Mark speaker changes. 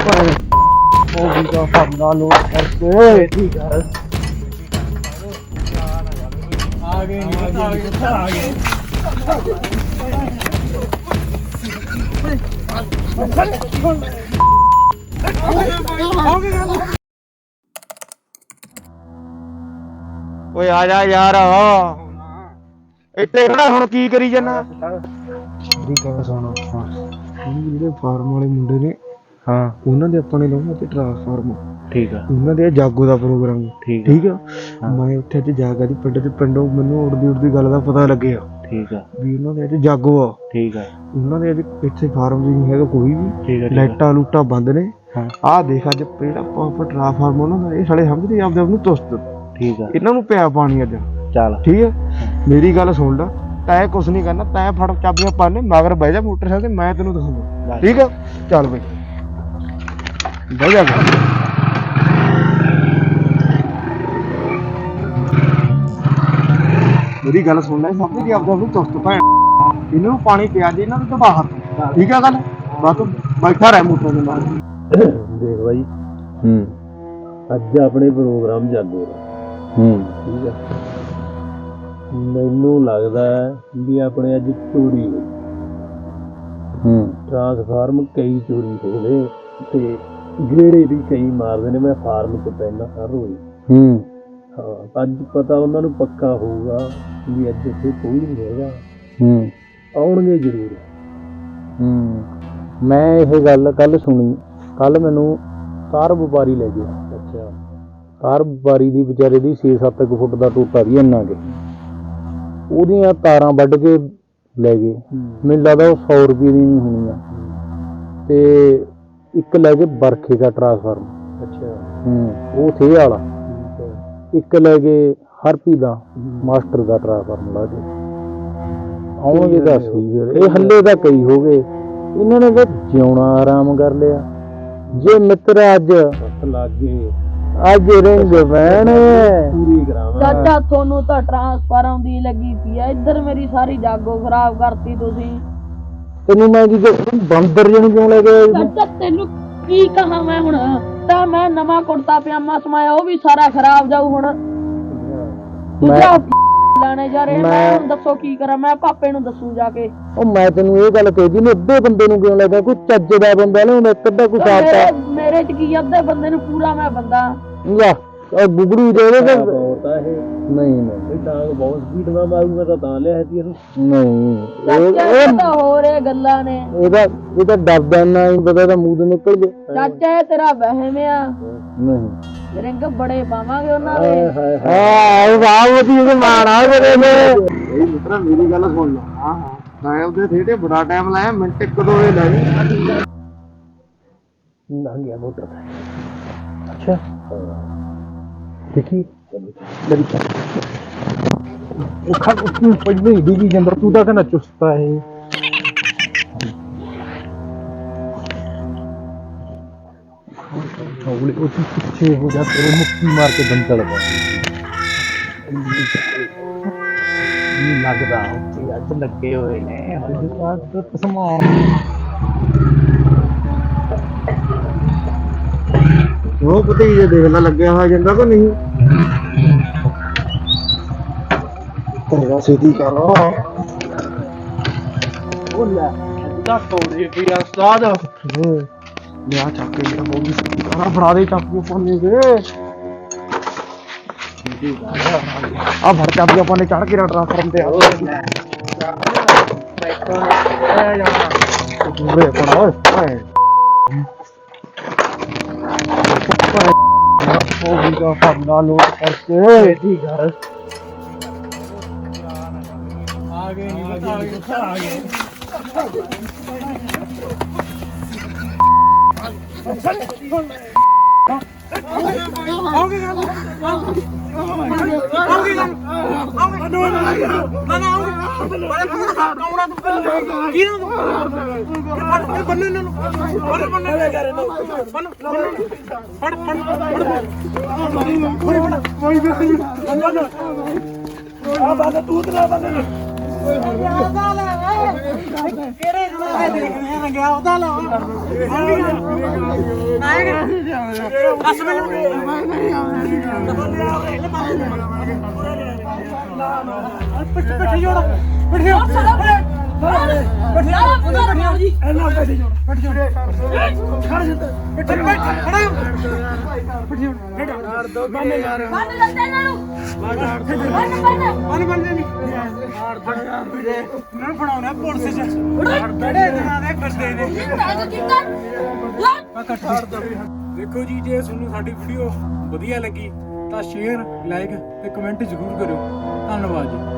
Speaker 1: ਉਹ ਵੀ ਤਾਂ ਫਰਨਾ ਲੋਡ ਕਰਕੇ ਠੀਕ ਹੈ ਆ ਗਏ ਆ ਗਏ ਓਏ ਆ ਜਾ ਯਾਰ ਇੱਥੇ ਖੜਾ ਹੁਣ ਕੀ ਕਰੀ ਜਾਨਾ ਮੇਰੀ ਗੱਲ ਸੁਣ ਜਿਹੜੇ ਫਾਰਮ ਵਾਲੇ ਮੁੰਡੇ ਨੇ ਹਾਂ ਉਹਨਾਂ ਦੇ ਆਪਾਂ ਨੇ ਲਾਉਣਾ ਤੇ ਟ੍ਰਾਂਸਫਾਰਮ ਠੀਕ ਆ ਉਹਨਾਂ ਦੇ ਜਾਗੋ ਦਾ ਪ੍ਰੋਗਰਾਮ ਠੀਕ ਆ ਮੈਂ ਉੱਥੇ ਅੱਜ ਜਾ ਕੇ ਪਿੰਡੋਂ ਮੈਨੂੰ ਉੜਦੀ ਗੱਲ ਦਾ ਪਤਾ ਲੱਗਿਆ ਠੀਕ ਆ ਵੀ ਉਹਨਾਂ ਦੇ ਅੱਜ ਜਾਗੋ ਆ ਠੀਕ ਆ ਉਹਨਾਂ ਦੇ ਅੱਜ ਇੱਥੇ ਫਾਰਮ ਵੀ ਨਹੀਂ ਹੈਗਾ ਕੋਈ ਵੀ ਲਾਈਟਾਂ ਲੂਟਾਂ ਬੰਦ ਨੇ ਆਹ ਦੇਖ ਅੱਜ ਪਹਿਲਾ ਟ੍ਰਾਂਸਫਾਰਮ ਉਹਨਾਂ ਦਾ ਇਹ ਸਾਲੇ ਸਮਝਦੇ ਆਪਦੇ ਆਪ ਨੂੰ ਤੁਸਤ ਠੀਕ ਆ ਇਹਨਾਂ ਨੂੰ ਪਿਆ ਪਾਣੀ ਅੱਜ ਚੱਲ ਠੀਕ ਆ ਮੇਰੀ ਗੱਲ ਸੁਣ ਲੈ ਤੈਂ ਕੁਛ ਨਹੀਂ ਕਰਨਾ ਤੈਂ ਫੜ ਚਾਬੀਆਂ ਪਾਣੇ ਮਗਰ ਬਹਿ ਜਾ ਮੋਟਰਸਾਈਕਲ ਤੇ ਮੈਂ ਤੈਨੂੰ ਦਿਖਾਉਂਦਾ ਠੀਕ ਆ ਚੱਲ ਬਈ ਬਹਿ ਜਾ ਮੇਰੀ ਗੱਲ ਸੁਣ ਲੈ ਸਮਝ ਕੇ ਆਪਦਾ ਨੂੰ ਤੁਸਤ ਭੈਣ ਇਹਨਾਂ ਨੂੰ ਪਾਣੀ ਪਿਆ ਦੇ ਇਹਨਾਂ ਨੂੰ ਤਾਂ ਬਾਹਰ ਠੀਕ ਆ ਗੱਲ ਬਸ ਤੂੰ ਬੈਠਾ ਰਹਿ ਮੋਟਰ ਦੇ ਨਾਲ
Speaker 2: ਦੇਖ ਬਾਈ ਅੱਜ ਆਪਣੇ ਪ੍ਰੋਗਰਾਮ ਜਾਗੋ ਦਾ ਠੀਕ ਆ ਮੈਨੂੰ ਲੱਗਦਾ ਵੀ ਆਪਣੇ ਅੱਜ ਚੋਰੀ ਹੋਈ ਟ੍ਰਾਂਸਫਾਰਮ ਕਈ ਚੋਰੀ ਹੋ ਗਏ ਤੇ ਗੇੜੇ ਵੀ ਕਈ ਮਾਰਦੇ ਨੇ ਮੈਂ ਫਾਰਮ 'ਚ ਪੈਂਦਾ ਹਰ ਰੋਜ਼ ਹਾਂ ਅੱਜ ਪਤਾ ਉਹਨਾਂ ਨੂੰ ਪੱਕਾ ਹੋਊਗਾ ਵੀ ਅੱਜ ਇੱਥੇ ਕੋਈ ਨਹੀਂ ਹੈਗਾ ਆਉਣਗੇ ਜ਼ਰੂਰ
Speaker 1: ਮੈਂ ਇਹ ਗੱਲ ਕੱਲ ਸੁਣੀ ਕੱਲ ਮੈਨੂੰ ਕਾਰ ਵਪਾਰੀ ਲੈ ਗਿਆ
Speaker 2: ਅੱਛਾ
Speaker 1: ਕਾਰ ਵਪਾਰੀ ਦੀ ਵਿਚਾਰੇ ਦੀ 6-7 ਫੁੱਟ ਦਾ ਟੋਟਾ ਵੀ ਇੰਨਾ ਕੇ ਉਹਦੀਆਂ ਤਾਰਾਂ ਵੱਢ ਕੇ ਲੈ ਗਏ ਮੈਨੂੰ ਲੱਗਦਾ ਉਹ 100 ਰੁਪਏ ਦੀ ਨਹੀਂ ਹੋਣੀਆਂ ਤੇ ਇੱਕ ਲੈ ਕੇ ਬਰਖੇ ਦਾ ਟ੍ਰਾਂਸਫਾਰਮ
Speaker 2: ਅੱਛਾ
Speaker 1: ਉਹ ਥੇ ਵਾਲਾ ਇੱਕ ਲੈ ਗਏ ਹਰਪੀ ਦਾ ਮਾਸਟਰ ਦਾ ਟ੍ਰਾਂਸਫਾਰਮ ਲਾ ਕੇ ਆਉਣਗੇ ਤਾਂ ਸਹੀ ਇਹ ਹੱਲੇ ਤਾਂ ਕਈ ਹੋ ਗਏ ਇਹਨਾਂ ਨੇ ਤਾਂ ਜਿਉਣਾ ਆਰਾਮ ਕਰ ਲਿਆ ਜੇ ਮਿੱਤਰ ਅੱਜ
Speaker 2: ਲੱਗ ਗਏ
Speaker 1: ਅੱਜ ਰਿੰਗ ਬਹਿਣ
Speaker 2: ਪੂਰੀ ਕਰਾਵਾਂ
Speaker 3: ਚਾਚਾ ਤੁਹਾਨੂੰ ਤਾਂ ਟ੍ਰਾਂਸਫਾਰਮ ਦੀ ਲੱਗੀ ਪਈ ਆ ਇੱਧਰ ਮੇਰੀ ਸਾਰੀ ਜਾਗੋ ਖਰਾਬ ਕਰਤੀ ਤੁਸੀਂ
Speaker 1: ਤੈਨੂੰ ਮੈਂ ਕੀ ਬੰਦਰ ਜਣ ਕਿਉਂ ਲੈ ਗਏ
Speaker 3: ਚਾਚਾ ਤੈਨੂੰ ਕੀ ਕਹਾਂ ਮੈਂ ਹੁਣ ਤਾਂ ਮੈਂ ਨਵਾਂ ਕੁੜਤਾ ਪਜਾਮਾ ਸਮਾਇਆ ਉਹ ਵੀ ਸਾਰਾ ਖਰਾਬ ਜਾਊ ਹੁਣ ਦੂਜਾ ਲਾਣੇ ਜਾ ਰਹੇ ਮੈਂ ਹੁਣ ਦੱਸੋ ਕੀ ਕਰਾਂ ਮੈਂ ਪਾਪੇ ਨੂੰ ਦੱਸੂ ਜਾ ਕੇ
Speaker 1: ਉਹ ਮੈਂ ਤੈਨੂੰ ਇਹ ਗੱਲ ਕਹੀ ਨੇ ਅੱਧੇ ਬੰਦੇ ਨੂੰ ਕਿਉਂ ਲੱਗਦਾ ਕੋਈ ਚੱਜ ਦਾ ਬੰਦਾ ਨਾ ਇੱਕ ਅੱਧਾ ਕੋਈ ਸਾਫਤਾ
Speaker 3: ਮੇਰੇ ਚ ਕੀ ਅੱਧੇ ਬੰਦੇ ਨੂੰ ਪੂਰਾ ਮੈਂ ਬੰਦਾ
Speaker 1: ਲਾ ਉਹ ਬੁਗੜੂ ਦੇ ਦੇ
Speaker 2: ਬਹੁਤ ਆ ਇਹ
Speaker 1: ਨਹੀਂ
Speaker 2: ਇਹ ਡਾਂਗ ਬਹੁਤ ਸਪੀਡ ਨਾਲ ਮਾਰੂਗਾ ਤਾਂ ਲਿਆ ਸੀ ਇਹਨੂੰ
Speaker 1: ਨਹੀਂ
Speaker 3: ਇਹ ਤਾਂ ਹੋਰ ਇਹ ਗੱਲਾਂ ਨੇ
Speaker 1: ਇਹਦਾ ਡਰਦਾ ਨਾ ਹੀ ਪਤਾ ਤਾਂ ਮੂੰਹ ਤੋਂ ਨਿਕਲ ਗਏ
Speaker 3: ਚਾਚਾ ਇਹ ਤੇਰਾ ਵਹਿਮ ਆ
Speaker 1: ਨਹੀਂ
Speaker 3: ਰਿੰਗ ਬੜੇ ਪਾਵਾਂਗੇ ਉਹਨਾਂ ਦੇ
Speaker 1: ਹਾਂ ਵਾਹ ਉਹਦੀ ਇਹ ਮਾਣਾ ਕਰੇ ਨੇ ਇਹ ਮਿੱਤਰਾ ਮੇਰੀ ਗੱਲ ਸੁਣ ਲਾ ਹਾਂ ਮੈਂ ਉਹਦੇ ਥੇੜੇ ਬੜਾ ਟਾਈਮ ਲਾਇਆ ਮਿੰਟ ਇੱਕ ਦੋ ਇਹ ਲਾਈ
Speaker 2: ਲੰਘ ਗਿਆ ਮੋਟਰ
Speaker 1: ਅੱਛਾ ਦੇਖੀ ਮੇਰੀ ਉਹ ਖਾ ਤੂੰ ਪਹਿਲੇ ਹੀ ਡੁੱਬੀ ਜਾਂਦਾ ਤੂੰ ਤਾਂ ਕਹਿੰਦਾ ਚੁਸਤਾ ਹੈ ਹੌਲੀ ਉਹ ਪਿੱਛੇ ਹੋ ਜਾ ਤੇਰੇ ਮੁੱਕੀ ਮਾਰ ਕੇ ਦਮ ਚੜਦਾ ਨਹੀਂ ਲੱਗਦਾ ਉੱਤੇ ਅੱਜ ਲੱਗੇ ਹੋਏ ਨੇ ਹਜੇ ਤਾਂ ਸਮਾਨ ਉਹ ਪਤਾ ਹੀ ਜੇ ਦੇਖ ਲੈ ਲੱਗਿਆ ਹੋਇਆ ਜਾਂਦਾ ਕਿ ਨਹੀਂ ਤੇਰਾ ਸਿੱਧੀ ਕਰ ਉਹ ਲੈ ਦਾ ਤੋੜੇ ਵੀ ਉਸਤਾਦ ਲਿਆ ਚੱਕ ਕੇ ਮੇਰਾ ਬੋਲੀ ਸਾਰਾ ਫੜਾ ਦੇ ਚਾਕੂ ਪਾਣੇ ਦੇ ਆ ਫੜ ਚਾਬੀ ਆਪਾਂ ਨੇ ਚੜ ਕੇ ਟ੍ਰਾਂਸਫਾਰਮ ਤੇ ਆ ਪੂਰੇ ਪੜਾ ਓਏ ਉਹ ਵੀ ਤਾਂ ਫਰਨਾ ਲੋਡ ਕਰਕੇ ਠੀਕ ਹੈ ਆ ਗਏ
Speaker 4: ਕਿਹੜੇ ਜੁੜਾ ਦੇਖਦੇ ਆ ਗਿਆ ਉਹਦਾ ਲਾ ਬਸ ਪਿੱਠੇ ਜੋੜ ਪਿੱਠੇ ਫੜਾਉਣਾ ਪੁਲਿਸ ਚ ਕਿਹੜੇ ਦਿਨਾਂ ਦੇ ਫਿਰਦੇ ਨੇ ਦੇਖੋ ਜੀ, ਜੇ ਤੁਹਾਨੂੰ ਸਾਡੀ ਵੀਡੀਓ ਵਧੀਆ ਲੱਗੀ ਤਾਂ ਸ਼ੇਅਰ, ਲਾਈਕ ਤੇ ਕਮੈਂਟ ਜ਼ਰੂਰ ਕਰਿਓ। ਧੰਨਵਾਦ ਜੀ।